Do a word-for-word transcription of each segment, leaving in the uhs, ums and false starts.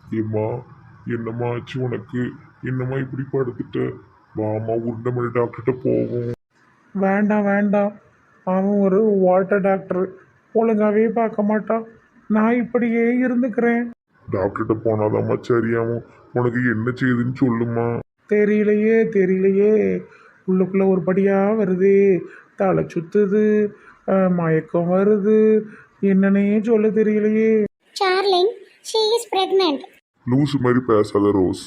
ஏம்மா, என்னம்மா ஆச்சு உனக்கு? என்னம்மா இப்படி படுத்துட்ட? வாமா, உருண்டமணி டாக்டர்கிட்ட போவோம். வேண்டாம் வேண்டாம். அவன் ஒரு வாட்டர் டாக்டர், ஒழுங்காவே பார்க்க மாட்டான். நான் இப்படியே இருந்துக்கிறேன். டாக்டர்கிட்ட போனாதாம்மா சரியாகும். உனக்கு என்ன செய்யுதுன்னு சொல்லுமா. தெரியலையே தெரியலையே, உள்ளுக்குள்ள ஒரு படியா வருது, தலை சுத்துது, அஹ், மயக்கம் வருது, என்னன்னே சொல்ல தெரியலையே. Charling, she is pregnant. லூசு மாதிரி பேசாத ரோஸ்.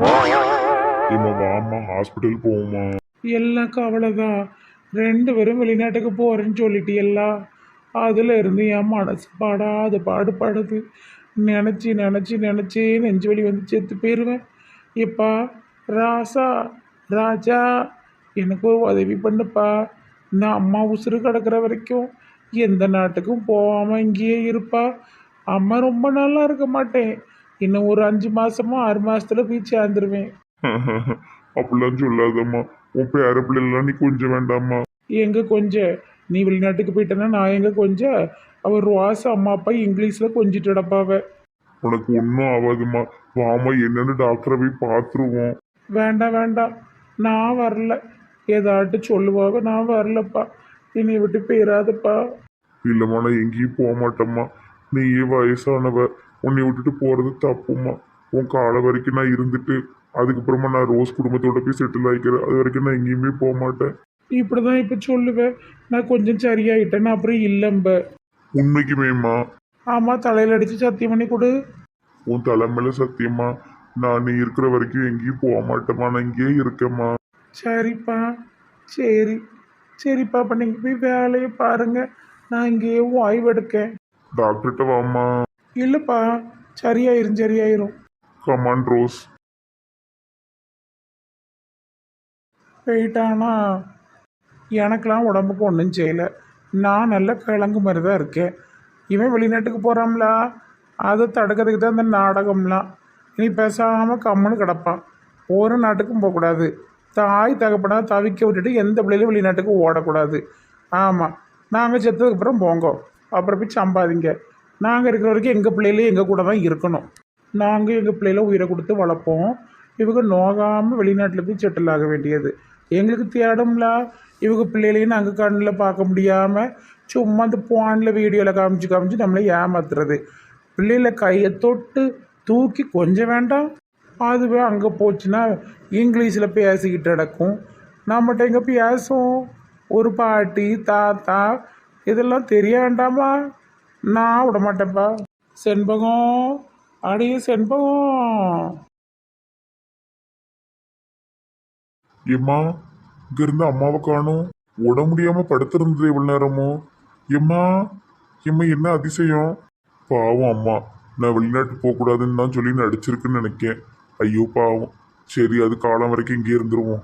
ஏம்மா வாம்மா, ஹாஸ்பிட்டல் போவோமா. எல்லாம் கவலைதான். ரெண்டு பேரும் வெளிநாட்டுக்கு போகிறேன்னு சொல்லிட்டு எல்லாம் அதில் இருந்து என் மனசு பாடாது பாடுபடுது. நினச்சி நினச்சி நினச்சி நெஞ்சு வலி வந்து செத்து போயிடுவேன். எப்பா ராசா, ராஜா, எனக்கு ஒரு உதவி பண்ணுப்பா. இந்த அம்மா உசுறு கிடக்கிற வரைக்கும் எந்த நாட்டுக்கும் போகாமல் இங்கேயே இருப்பா. அம்மா ரொம்ப நல்லா இருக்க மாட்டேன். இன்னும் ஒரு அஞ்சு மாதமோ ஆறு மாதத்துல போய் சேர்ந்துருவேன். அப்படிலாம் சொல்லாதம்மா. உன் பேர பிள்ளைலாம் நீ கொஞ்சம் வேண்டாம்மா. எங்கே கொஞ்சம் நீ வெளிநாட்டுக்கு போயிட்டேன்னா நான் எங்கே கொஞ்சம் அவர் ரோஸ் அம்மா அப்பா இங்கிலீஷில் கொஞ்சிட்டு கிடப்பாவ. உனக்கு ஒன்றும் ஆகாதும்மா. வாமா, என்னன்னு டாக்டரை போய் பார்த்துருவோம். வேண்டாம் வேண்டாம், நான் வரல. ஏதாட்டு சொல்லுவாவ, நான் வரலப்பா. என்னை விட்டு போயிடாதப்பா. இல்லைம்மா, நான் எங்கேயும் போக மாட்டேம்மா. நீயே வயசானவ, உன்னை விட்டுட்டு போகிறது தப்புமா. உன் காலம் வரைக்கும் நான் இருந்துட்டு அதுக்கப்புறமா நான் ரோஸ் குடும்பத்தோட போய் செட்டில் ஆகிக்கிறேன். அது வரைக்கும் நான் எங்கேயுமே போக மாட்டேன். இப்படி தான் இப்போ சொல்லுவேன். நான் கொஞ்சம் சரியாயிட்டேன்னா அப்புறம் இல்லைம்ப. உண்மைக்குமேம்மா. ஆமாம், தலையில் அடித்து சத்தியம் பண்ணி கொடு. உன் தலைமையில சத்தியமா, நான் நீ இருக்கிற வரைக்கும் எங்கேயும் போக மாட்டேம்மா. நான் இங்கேயே இருக்கேம்மா. சரிப்பா, சரி சரிப்பா. அப்போ நீங்கள் போய் வேலையை பாருங்க, நான் இங்கேயே ஓய்வு எடுக்கேன். டாக்டர்கிட்ட வாம்மா. இல்லைப்பா, சரியாயிரும் சரியாயிரும். Come on Rose. போயிட்டானா? எனக்கெலாம் உடம்புக்கு ஒன்றும் செய்யலை. நான் நல்ல கிழங்கு மாதிரி தான் இருக்கேன். இவன் வெளிநாட்டுக்கு போகிறான்ல, அதை தடுக்கிறதுக்கு தான் இந்த நாடகம்லாம். இனி பேசாமல் கம்முன்னு கிடப்பான். ஒரு நாட்டுக்கும் போகக்கூடாது. தாய் தகப்பனா தவிக்க விட்டுட்டு எந்த பிள்ளையிலும் வெளிநாட்டுக்கு ஓடக்கூடாது. ஆமாம், நாங்கள் செத்ததுக்கப்புறம் போங்க, அப்புறம் போய் சம்பாதிங்க. நாங்கள் இருக்கிற வரைக்கும் எங்கள் பிள்ளைகளே எங்கள் கூட தான் இருக்கணும். நாங்கள் எங்கள் பிள்ளைகள உயிரை கொடுத்து வளர்ப்போம். இவங்க நோகாமல் வெளிநாட்டில் போய் செட்டில் ஆக வேண்டியது எங்களுக்கு தேடும்ல. இவங்க பிள்ளைகளையும் நாங்கள் கண்ணில் பார்க்க முடியாமல் சும்மா அந்த போனில் வீடியோவில் காமிச்சு காமிச்சு நம்மளை ஏமாத்துறது. பிள்ளைகளை கையை தொட்டு தூக்கி கொஞ்சம் வேண்டாம். அதுவே அங்கே போச்சுன்னா இங்கிலீஷில் பேசிக்கிட்டு நடக்கும். நம்மகிட்ட எங்கே பேசும்? ஒரு பாட்டி தாத்தா இதெல்லாம் தெரிய வேண்டாமா? நான் விட மாட்டேன்ப்பா. செண்பகம், அடியே செண்பகம். ஏம்மா, இங்க இருந்து அம்மாவை காணும். உட முடியாம படுத்திருந்தது இவ்வளவு நேரமோ. எம்மா, எம்மா, என்ன அதிசயம். பாவம் அம்மா, நான் வெளிநாட்டு போகக்கூடாதுன்னு தான் சொல்லி நடிச்சிருக்குன்னு நினைக்கேன். ஐயோ பாவம். சரி, அது காலம் வரைக்கும் இங்கே இருந்துருவோம்.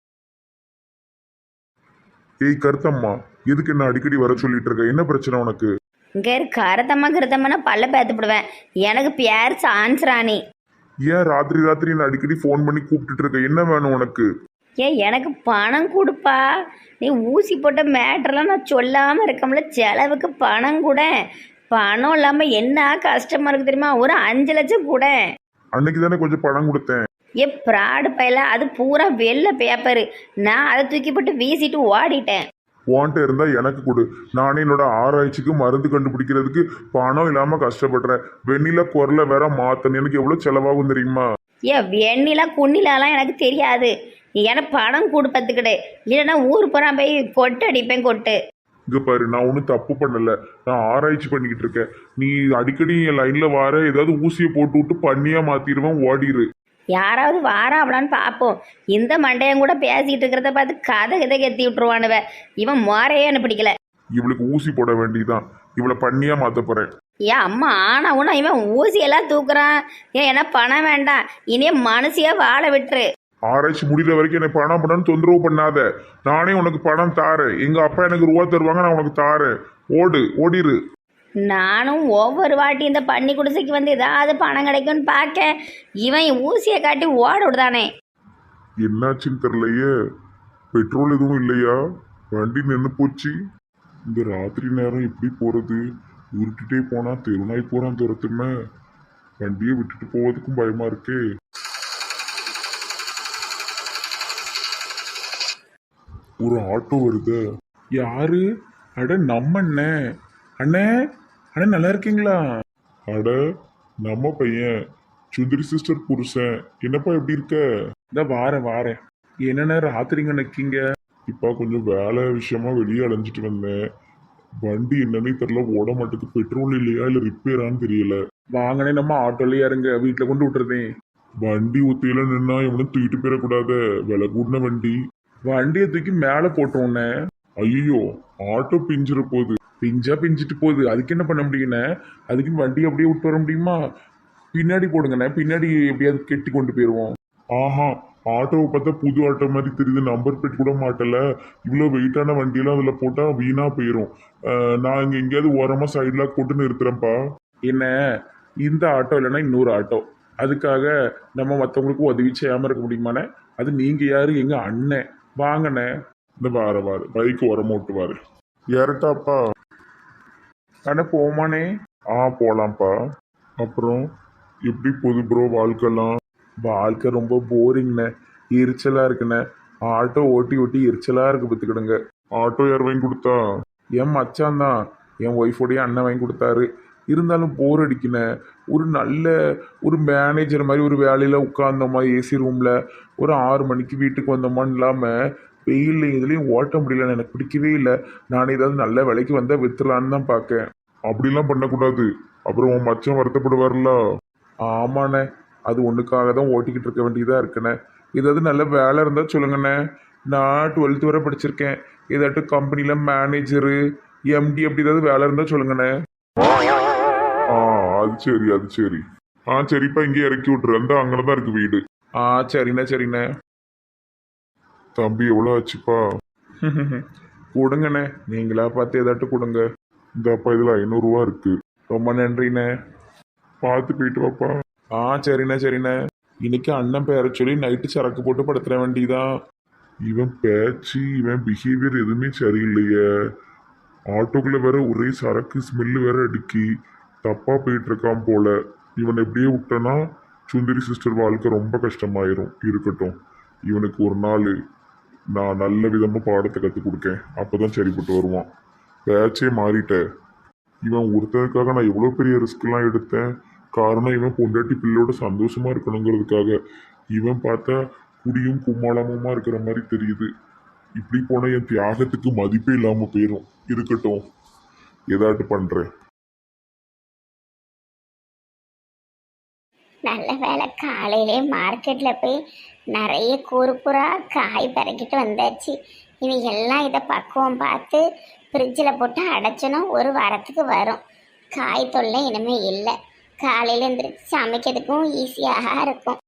ஏய் கருத்தம்மா, எதுக்கு என்ன அடிக்கடி வர சொல்லிட்டு இருக்க? என்ன பிரச்சனை உனக்கு? இங்கே கருத்தம்மா கருத்தம்மா பல்ல பேத்துப்பிடுவேன். எனக்கு பேர் சான்ஸ்ராணி. ஏன் ராத்திரி ராத்திரி என்ன அடிக்கடி ஃபோன் பண்ணி கூப்பிட்டுட்டு இருக்க? என்ன வேணும் உனக்கு? ஏன் எனக்கு பணம் கொடுப்பா. நீ ஊசி போட்ட மேட்டர்லாம் நான் சொல்லாமல் இருக்கோம்ல, செலவுக்கு பணம் கூட. பணம் இல்லாமல் என்ன கஷ்டமாக இருக்குது தெரியுமா? ஒரு அஞ்சு லட்சம் கூட. அன்னைக்கு தானே கொஞ்சம் பணம் கொடுத்தேன். ஏ ப்ராடு பையில, அது பூரா வெள்ளை பேப்பரு. நான் அதை தூக்கி போட்டு வீசிட்டு ஓடிட்டேன். உன்கிட்ட இருந்தா எனக்கு கொடு. நானே என்னோட ஆராய்ச்சிக்கு மருந்து கண்டுபிடிக்கிறதுக்கு பணம் இல்லாம கஷ்டப்படுறேன். வெண்ணில குரலை வேற மாத்தணும். எனக்கு எவ்வளவு செலவாகும் தெரியுமா? ஏ வெண்ணிலா குண்ணிலாலாம் எனக்கு தெரியாது. எனக்கு பணம் கொடுப்பதுக்கிடு, இல்லைன்னா ஊர் பூரா போய் கொட்டு அடிப்பேன் கொட்டு. இங்க பாரு, நான் ஒன்றும் தப்பு பண்ணல. நான் ஆராய்ச்சி பண்ணிக்கிட்டு இருக்கேன். நீ அடிக்கடி என் லைன்ல வார, ஏதாவது ஊசியை போட்டு விட்டு பண்ணியா மாத்திடுவேன். ஓடிரு. யாராவது வாராவலான்னு பார்ப்போம். இந்த மண்டையன் கூட பேசிக்கிட்டு இருக்கிறத பார்த்து கதை கதை கத்தி விட்டுருவானுவ. இவன் மாறையே எனக்கு பிடிக்கல. இவளுக்கு ஊசி போட வேண்டியதான். இவளை பண்ணியா மாத்த போறேன். ஏன் அம்மா ஆனா உனா இவன் ஊசியெல்லாம் தூக்குறான். ஏன் என்ன பணம் வேண்டாம், இனியே மனசியா வாழ விட்டுரு. ஆராய்ச்சி முடிகிற வரைக்கும் என்னை பணம் பண்ணு தொந்தரவு பண்ணாத. நானே உனக்கு பணம் தாரேன். எங்க அப்பா எனக்கு ரூபா தருவாங்க, நான் உனக்கு தாரேன். ஓடு, ஓடிரு. நானும் ஒவ்வொரு வாட்டி இந்த பன்னி குடிசைக்கு வந்து ஏதாவது பணம் கிடைக்கும்னு பார்க்க, இவன் ஊசியை காட்டி ஓட விடுதானே. என்னாச்சுன்னு தெரியலையே. பெட்ரோல் எதுவும் இல்லையா? வண்டி நின்று போச்சு. இந்த ராத்திரி நேரம் எப்படி போறது? உருட்டிட்டே போனா தெருநாய் போறான் துரத்துமே. வண்டியை விட்டுட்டு போவதுக்கும் பயமா இருக்கு. ஒரு ஆட்டோ வருது. யாரு? அட நம்ம அண்ணே. அண்ணே அண்ணே நல்லா இருக்கீங்களா? அட நம்ம பையன் சுந்தரி சிஸ்டர் புருஷன். என்னப்பா எப்படி இருக்க? இந்த வாரேன் வாரேன். என்னண்ணே ராத்திரிங்க நிற்கீங்க? இப்ப கொஞ்சம் வேலை விஷயமா வெளியே அலைஞ்சிட்டு வந்தேன். வண்டி என்னன்னே தெரியல, ஓட மாட்டுக்கு. பெட்ரோல் இல்லையா இல்ல ரிப்பேரான்னு தெரியல. வாங்கனே நம்ம ஆட்டோலயே இருங்க, வீட்டில் கொண்டு விட்டுறதேன். வண்டி ஒத்தையில நின்னா எவனும் தூக்கிட்டு போயிடக்கூடாத, விலை கூடின வண்டி. வண்டியை தூக்கி மேலே போட்டோன்னே. ஐயோ ஆட்டோ பிஞ்சிட போகுது. பிஞ்சா பிஞ்சிட்டு போகுது, அதுக்கு என்ன பண்ண முடியுண்ணே? அதுக்குன்னு வண்டியை அப்படியே விட்டு வர முடியுமா? பின்னாடி போடுங்கண்ணே, பின்னாடி எப்படியாவது கெட்டி கொண்டு போயிடுவோம். ஆஹா, ஆட்டோவை பார்த்தா புது ஆட்டோ மாதிரி தெரியுது. நம்பர் பிளேட் கூட மாட்டல. இவ்வளோ வெயிட்டான வண்டியெல்லாம் அதில் போட்டால் வீணா போயிடும். நான் இங்கே எங்கேயாவது ஓரமாக சைட்லாக் போட்டு நிறுத்துறேன்ப்பா. என்ன இந்த ஆட்டோ இல்லைன்னா இன்னொரு ஆட்டோ, அதுக்காக நம்ம மற்றவங்களுக்கு உதவி செய்யாமல் இருக்க முடியுமாண்ணே? அது நீங்கள் யார்? எங்கள் அண்ணன். வாங்கண்ணே. இந்த வார வார பைக் உரமா விட்டுவாரு. ஏறட்டாப்பா? அண்ணே போமாண்ணே. ஆ போலாம்ப்பா. அப்புறம் எப்படி போகுது ப்ரோ வாழ்க்கைலாம்? வாழ்க்கை ரொம்ப போரிங்ண்ணே, எரிச்சலாக இருக்குண்ணே. ஆட்டோ ஓட்டி ஓட்டி எரிச்சலாக இருக்கு பார்த்துக்கிடுங்க. ஆட்டோ யார் வாங்கி கொடுத்தா? என் மச்சான் தான், என் ஒய்ஃபோடைய அண்ணன் வாங்கி கொடுத்தாரு. இருந்தாலும் போர் அடிக்கினேன். ஒரு நல்ல ஒரு மேனேஜர் மாதிரி ஒரு வேலையில் உட்கார்ந்தோமா ஏசி ரூமில், ஒரு ஆறு மணிக்கு வீட்டுக்கு வந்தோமான்னு இல்லாமல் வெயிலில் இதுலேயும் ஓட்ட முடியல. எனக்கு பிடிக்கவே இல்லை. நான் ஏதாவது நல்ல வேலைக்கு வந்தால் வித்துலான்னு தான் பார்க்கேன். அப்படிலாம் பண்ணக்கூடாது, அப்புறம் உன் மச்சான் வருத்தப்படுவார்ல. ஆமாண்ணே, அது ஒன்றுக்காக தான் ஓட்டிக்கிட்டு இருக்க வேண்டியதாக இருக்குண்ணே. ஏதாவது நல்ல வேலை இருந்தால் சொல்லுங்கண்ணே. நான் டுவெல்த்து வரை படிச்சிருக்கேன். ஏதாட்டும் கம்பெனியில் மேனேஜரு எம்டி அப்படி ஏதாவது வேலை இருந்தால் சொல்லுங்கண்ணே. ஆ அது சரி அது சரி. ஆ சரிப்பா, இங்கே இறக்கி விட்டுரு. அந்த அங்கே தான் இருக்கு வீடு. ஆ சரிண்ணே சரிண்ணே. தம்பி எவ்வளோ ஆச்சுப்பா? கொடுங்கண்ணே, நீங்களா பார்த்து ஏதாட்டும் கொடுங்க. இந்த அப்பா இதில் ஐநூறுரூவா இருக்கு. ரொம்ப நன்றிண்ணே. பார்த்து போயிட்டு வாப்பா. ஆ சரிண்ணே சரிண்ணே. இன்னைக்கு அண்ணன் பேரை சொல்லி நைட்டு சரக்கு போட்டு படுத்துற வேண்டியதான். இவன் பேச்சு இவன் பிஹேவியர் எதுவுமே சரியில்லையே. ஆட்டோக்குள்ள வேற ஒரே சரக்கு ஸ்மெல்லு வேற அடிக்கி தப்பா போயிட்டு இருக்கான் போல. இவன் எப்படியே விட்டனா சுந்தரி சிஸ்டர் வாழ்க்கை ரொம்ப கஷ்டமாயிரும். இருக்கட்டும், இவனுக்கு ஒரு நாள் நான் நல்ல விதமாக பாடத்தை கற்றுக் கொடுக்கேன். அப்போதான் சரிப்பட்டு வருவான். பேச்சே மாறிட்டேன். இவன் ஒருத்தனுக்காக நான் எவ்வளோ பெரிய ரிஸ்க்லாம் எடுத்தேன். காரணம் இவன் பொண்டாட்டி பிள்ளையோட சந்தோஷமா இருக்கணுங்கிறதுக்காக. இவன் பார்த்தா குடியும் கும்மாளமுமா இருக்கிற மாதிரி தெரியுது. இப்படி போனால் என் தியாகத்துக்கு மதிப்பே இல்லாமல் போயிடும். இருக்கட்டும், ஏதாட்டு பண்ணுறேன். நல்ல வேலை காலையிலே மார்க்கெட்டில் போய் நிறைய கூறு கூறா காய் பறக்கிட்டு வந்தாச்சு. இனி எல்லாம் இதை பக்குவம் பார்த்து ஃப்ரிட்ஜில் போட்டு அடைச்சோன்னா ஒரு வாரத்துக்கு வரும். காய் தொல்லை இனிமேல் இல்லை. காலையில் எழுந்திரிச்சு சமைக்கிறதுக்கும் ஈஸியாக இருக்கும்.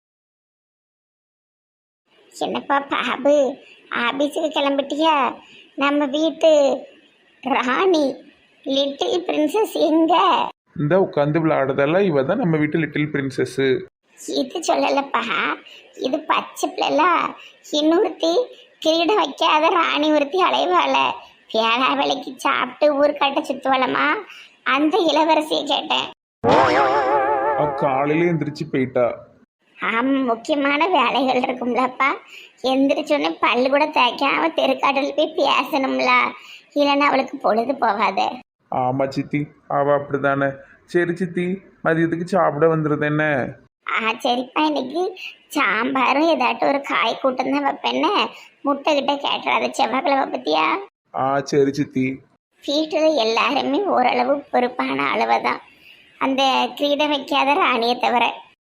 என்னப்பா பாபு, ஆபீஸுக்கு கிளம்பிட்டியா? நம்ம வீட்டு ராணி லிட்டில் பிரின்சஸ் எங்க? இந்த உட்காந்து விளையாடுறதெல்லாம் இவ தான் நம்ம வீட்டு லிட்டில் பிரின்சஸ்ஸு. இது சொல்லலப்பா, இது பச்சை பிள்ளைல. இன்னொருத்தி கிரீடம் வைக்காத ராணி ஒருத்தி அலைவாள, வேளா வேலைக்கு சாப்பிட்டு ஊர்காட்ட சுத்துவலமா, அந்த இளவரசியை கேட்டேன். காலையில எந்திரிச்சு போயிட்டா. ஆமா, முக்கியமான வேலைகள் இருக்கும்லப்பா. எந்திரிச்சோன்னே பல்லு கூட தேய்க்காம தெருக்காட்டில் போய் பேசணும்ல, இல்லைன்னா அவளுக்கு பொழுது போகாது. ஆமா சித்தி, அவ அப்படிதானே. சரி சித்தி, மதியத்துக்கு சாப்பிட வந்துருது என்ன? ஆ சரிப்பா, இன்னைக்கு சாம்பாரும் ஏதாட்டும் ஒரு காய் கூட்டம் தான் வைப்பேன்னு. முட்டை கிட்ட கேட்டுறாத, செவ்வாய்க்கிழமை பத்தியா? ஆ சரி சித்தி. வீட்டில் எல்லாருமே ஓரளவு பொறுப்பான அளவு தான், அந்த கிரீடம் வைக்காத ராணியை தவிர.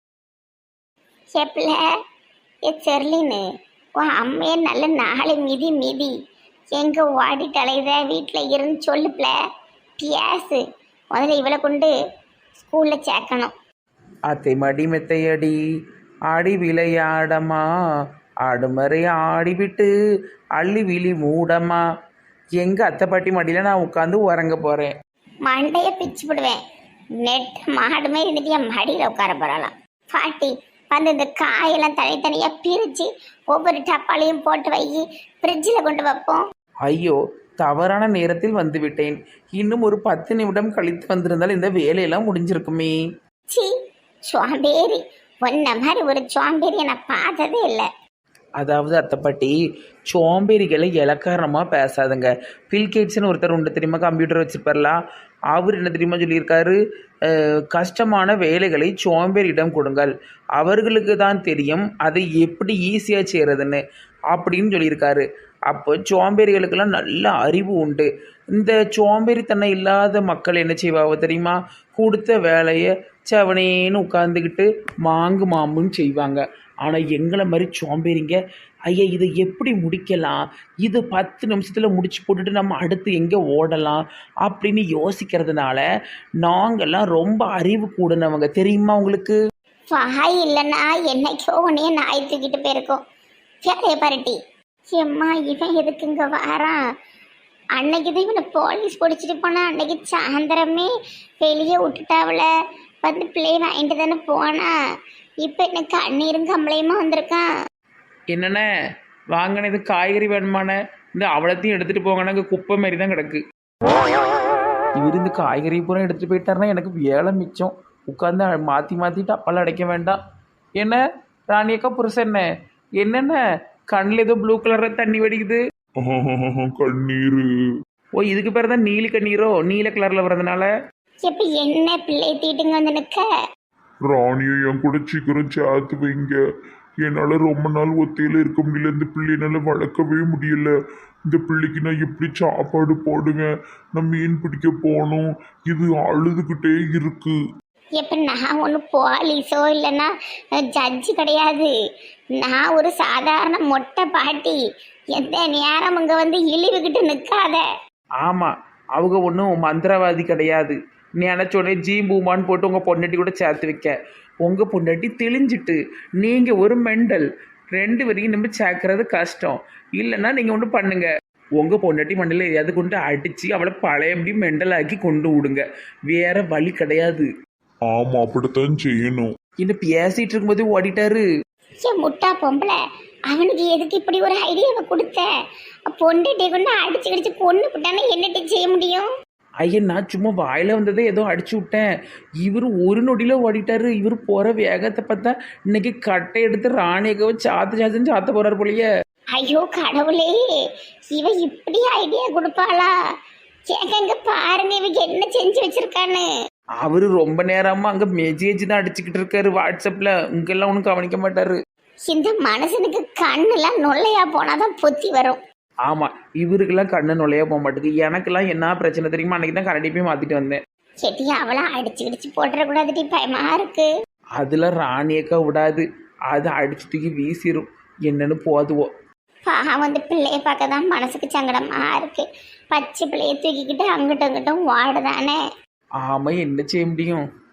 எப்பல ஏ செர்லின்னு உன் அம்மையை நல்ல நாளை மிதி மிதி எங்கே ஓடி தலைத வீட்டில் இருந்து சொல்லுப்ல பியாசு. முதல்ல இவளை கொண்டு ஸ்கூலில் சேர்க்கணும். அத்தை மடி மெத்தையடி ஆடி விளையாடமா, ஆடுமறை ஆடிவிட்டு அள்ளி விழி மூடமா. எங்கள் அத்தை பாட்டி மடியில் நான் உட்காந்து உறங்க போகிறேன். மண்டையை பிச்சு விடுவேன். நெட் மாடு மாதிரி இருந்துட்டு என் மடியில் உட்கார போகலாம். பாட்டி வந்து இந்த காயெல்லாம் தனித்தனியாக பிரித்து ஒவ்வொரு டப்பாலையும் போட்டு வை, ஃப்ரிட்ஜில் கொண்டு வைப்போம். ஐயோ, தவறான நேரத்தில் வந்து விட்டேன். இன்னும் ஒரு பத்து நிமிடம் கழித்து வந்திருந்தால் இந்த வேலையெல்லாம் முடிஞ்சிருக்குமே. சி சோம்பேறி, ஒன்ன மாதிரி ஒரு சோம்பேறியை நான் பார்த்ததே இல்லை. அதாவது அத்தைப்பாட்டி, சோம்பேறிகளை இலக்காரமாக பேசாதுங்க. பில்கேட்ஸ்னு ஒருத்தர் உண்டு தெரியுமா, கம்ப்யூட்டர் வச்சுருப்பார்லாம். அவர் என்ன தெரியுமா சொல்லியிருக்காரு, அஹ், கஷ்டமான வேலைகளை சோம்பேறியிடம் கொடுங்கள், அவர்களுக்கு தான் தெரியும் அதை எப்படி ஈஸியாக செய்கிறதுன்னு அப்படின்னு சொல்லியிருக்காரு. அப்போ சோம்பேறிகளுக்கெல்லாம் நல்ல அறிவு உண்டு. இந்த சோம்பேறித்தனம் இல்லாத மக்கள் என்ன செய்வாங்க தெரியுமா, கொடுத்த வேலையை செவனேன்னு உட்காந்துக்கிட்டு மாங்கு மாம்புன்னு செய்வாங்க. ஆனால் எங்களை மாதிரி சோம்பேறிங்க, ஐயா இதை எப்படி முடிக்கலாம், இது பத்து நிமிஷத்தில் முடிச்சு போட்டுட்டு நம்ம அடுத்து எங்கே ஓடலாம் அப்படின்னு யோசிக்கிறதுனால நாங்கள்லாம் ரொம்ப அறிவு கூடனவங்க தெரியுமா உங்களுக்கு. வாய் இல்லைன்னா என்னைக்கோ உன்னைய நாய் தூக்கிட்டு போயிருக்கோம். வேலையை பாருட்டி. எம்மா, இவன் எதுக்கு இங்க வாரான்? அன்னைக்கு தான் இவனை போலீஸ் பிடிச்சிட்டு போனா, அன்னைக்கு சாயந்தரமே வெளியே விட்டுட்டாவில வந்து பிள்ளை வாங்கிட்டு தானே போனா. இப்போ என்ன கண்ணீரும் கம்பளையுமா வந்திருக்கான். என்னென்ன வாங்கினது காய்கறி வேணுமான, இந்த அவ்வளோத்தையும் எடுத்துகிட்டு போங்கன்னா இங்கே குப்பை மாதிரி தான் கிடக்கு. இவர் இந்த காய்கறி பூரா எடுத்துகிட்டு போயிட்டாருன்னா எனக்கு வேலை மிச்சம். உட்காந்து மாற்றி மாற்றிட்டு அப்பெல்லாம் அடைக்க வேண்டாம். என்ன ராணியக்கா புருஷன், என்னென்ன கண்ணில் ஏதோ ப்ளூ கலரில் தண்ணி வடிக்குது? கண்ணீர். ஓ, இதுக்கு பேர் தான் நீலி கண்ணீரோ, நீல கலரில் வர்றதுனால. இப்போ என்ன பிள்ளை தீட்டுங்க வந்து நிற்க? ராணியை என் கூட சீக்கிரம் சேர்த்து வைங்க. என்னால் ரொம்ப நாள் ஒத்தையில் இருக்க முடியல. இந்த பிள்ளை என்னால் வளர்க்கவே முடியல. இந்த பிள்ளைக்கு நான் எப்படி சாப்பாடு போடுவேன்? நான் மீன் பிடிக்க போகணும். இது அழுதுகிட்டே இருக்கு. இப்போ நான் ஒன்றும் போலீஸோ இல்லைன்னா ஜட்ஜு கிடையாது. நான் ஒரு சாதாரண மொட்டை பாட்டி. எந்த நேரம் அங்கே வந்து இழிவுகிட்டு நிற்காத. ஆமாம், அவங்க ஒன்றும் மந்திரவாதி கிடையாது. நினச்சோடனே ஜீ பூமான்னு போட்டு உங்கள் பொண்டாட்டி கூட சேர்த்து வைக்க. உங்கள் பொண்டாட்டி தெளிஞ்சிட்டு நீங்கள் ஒரு மெண்டல். ரெண்டு வரைக்கும் நம்ம சேர்க்கறது கஷ்டம். இல்லைன்னா நீங்கள் ஒன்று பண்ணுங்க, உங்கள் பொண்டாட்டி மண்டல எதையாவது கொண்டு அடித்து அவளை பழையபடி மெண்டலாக்கி கொண்டு விடுங்க. வேற வழி கிடையாது. ஆமா, அப்படித்தான் செய்யணும். இன்னும் பேசிகிட்டு இருக்கும்போது ஓடிட்டாரு. ஏன் முட்டா பொம்பளை, அவனுக்கு எதுக்கு இப்படி ஒரு ஐடியாவை கொடுத்த? பொண்டுட்டே கொண்டு அடிச்சு அடிச்சு கொண்டு விட்டானா என்னட்டு செய்ய முடியும்? ஐயா, நான் சும்மா வாயில் வந்ததை ஏதோ அடிச்சு விட்டேன். இவர் ஒரு நொடியில் ஓடிட்டாரு. இவர் போகிற வேகத்தை பார்த்தா இன்னைக்கு கட்டை எடுத்து ராணியக்காவை சாத்து சாத்துன்னு சாத்த போகிறார் போலயே. ஐயோ கடவுளே, இவ இப்படி ஐடியா கொடுப்பாளா? கேட்க பாருங்க இவங்க என்ன செஞ்சு வச்சிருக்கான்னு. அவர் ரொம்ப நேரமாக அங்கே மெசேஜ் தான் அடிச்சுக்கிட்டு இருக்காரு வாட்ஸ்அப்பில். இங்கெல்லாம் ஒன்றும் கவனிக்க மாட்டார். இந்த மனுஷனுக்கு கண்ணெல்லாம் நொல்லையா போனாதான் பொத்தி வரும். ஆமாம், இவருக்கெல்லாம் கண்ணு நுழைய போக மாட்டேங்குது. எனக்கெல்லாம் என்ன பிரச்சனை தெரியுமா, அன்றைக்கி தான் கரண்டி போய் மாற்றிட்டு வந்தேன். செட்டி அவளை அடிச்சு அடிச்சு போட்டுறக்கூடாதுடி, பயமா இருக்கு. அதில் ராணியக்கா விடாது, அதை அடிச்சு தூக்கி வீசிடும். என்னன்னு போதுவோம். பாவம் வந்து பிள்ளைய பார்க்க தான் மனசுக்கு சங்கடமா இருக்கு. பச்சை பிள்ளைய தூக்கிக்கிட்டு அங்கிட்டும் அங்கிட்டும் வாடுதானே. ஆமாம், என்ன செய்ய முடியும்.